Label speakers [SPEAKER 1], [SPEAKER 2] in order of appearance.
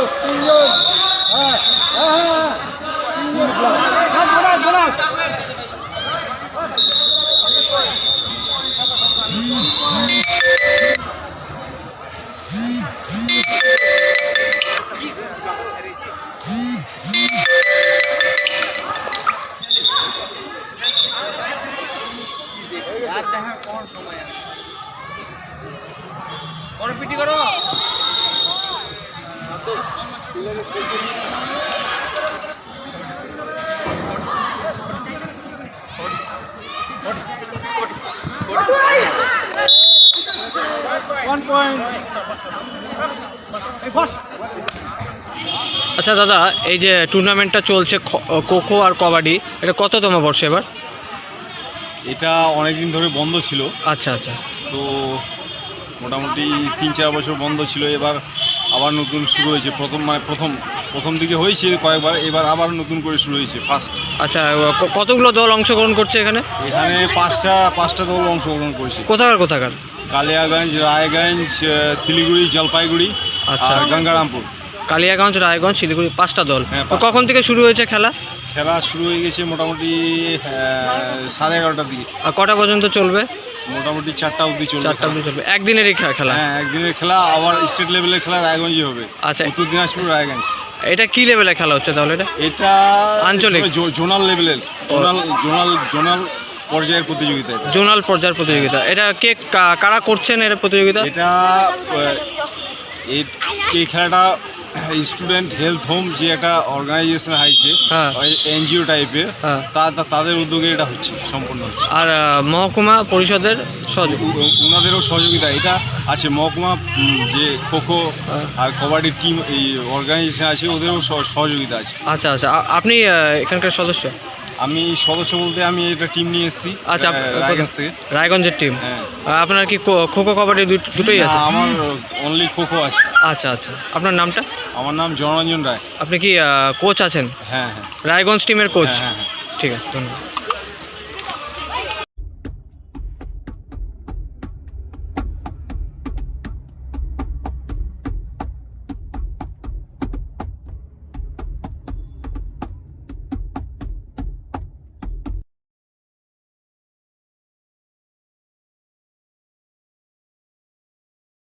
[SPEAKER 1] PT করো।
[SPEAKER 2] আচ্ছা দাদা, এই যে টুর্নামেন্টটা চলছে খোখো আর কবাডি, এটা কততম বর্ষ এবার?
[SPEAKER 3] এটা অনেকদিন ধরে বন্ধ ছিল।
[SPEAKER 2] আচ্ছা আচ্ছা।
[SPEAKER 3] তো মোটামুটি 3-4 বছর বন্ধ ছিল, এবার আবার নতুন শুরু হয়েছে। প্রথম দিকে হয়েছে কয়েকবার, এবার আবার নতুন করে শুরু হয়েছে ফার্স্ট।
[SPEAKER 2] আচ্ছা, কতগুলো দল অংশগ্রহণ করছে এখানে?
[SPEAKER 3] এখানে পাঁচটা দল অংশগ্রহণ করেছে।
[SPEAKER 2] কোথাকার?
[SPEAKER 3] কালিয়াগঞ্জ, রায়গঞ্জ, শিলিগুড়ি, জলপাইগুড়ি,
[SPEAKER 2] আচ্ছা,
[SPEAKER 3] আর গঙ্গারামপুর।
[SPEAKER 2] কালিয়াগঞ্জ, রায়গঞ্জ, শিলিগুড়ি, 5টা দল।
[SPEAKER 3] হ্যাঁ,
[SPEAKER 2] কখন থেকে শুরু হয়েছে খেলা?
[SPEAKER 3] খেলা শুরু হয়ে গেছে মোটামুটি 11:30টার দিকে।
[SPEAKER 2] আর কটা পর্যন্ত চলবে?
[SPEAKER 3] মোটামুটি 4টা অবধি চলবে।
[SPEAKER 2] 4টা অবধি চলবে। একদিনেরই খেলা?
[SPEAKER 3] হ্যাঁ, একদিনের খেলা। আবার স্টেট লেভেলের খেলা রায়গঞ্জে হবে।
[SPEAKER 2] আচ্ছা,
[SPEAKER 3] উত্তর দিনাজপুর, রায়গঞ্জ।
[SPEAKER 2] এটা কি লেভেলে খেলা হচ্ছে তাহলে?
[SPEAKER 3] এটা
[SPEAKER 2] আঞ্চলিক,
[SPEAKER 3] জোনাল লেভেলের, জোনাল পর্যায়ের প্রতিযোগিতা।
[SPEAKER 2] জোনাল পর্যায়ের প্রতিযোগিতা। এটা কারা করছেন এর প্রতিযোগিতা?
[SPEAKER 3] এটা এই খেলাটা স্টুডেন্ট হেলথ হোম যে একটা অর্গানাইজেশন আছে, এনজিও টাইপের, তাদের উদ্যোগে এটা হচ্ছে, সম্পূর্ণ হচ্ছে।
[SPEAKER 2] আর মহকুমা পরিষদের সহযোগিতা,
[SPEAKER 3] ওনাদেরও সহযোগিতা এটা আছে। মহকুমা যে খোখো আর কবাডির টিম, এই অর্গানাইজেশন আছে, ওদেরও সহযোগিতা আছে।
[SPEAKER 2] আচ্ছা আচ্ছা। আপনি এখানকার সদস্য?
[SPEAKER 3] আমি সদস্য বলতে আমি এটা টিম নিয়ে এসেছি।
[SPEAKER 2] আচ্ছা,
[SPEAKER 3] রায়গঞ্জ থেকে।
[SPEAKER 2] রায়গঞ্জের টিম।
[SPEAKER 3] হ্যাঁ।
[SPEAKER 2] আপনার কি খোখো কবাডি দুটোই আছে?
[SPEAKER 3] আমার অনলি খোখো আছে।
[SPEAKER 2] আচ্ছা আচ্ছা। আপনার নামটা?
[SPEAKER 3] আমার নাম জনরঞ্জন রায়।
[SPEAKER 2] আপনি কি কোচ আছেন?
[SPEAKER 3] হ্যাঁ হ্যাঁ।
[SPEAKER 2] রায়গঞ্জ টিমের কোচ?
[SPEAKER 3] হ্যাঁ হ্যাঁ।
[SPEAKER 2] ঠিক আছে, ধন্যবাদ।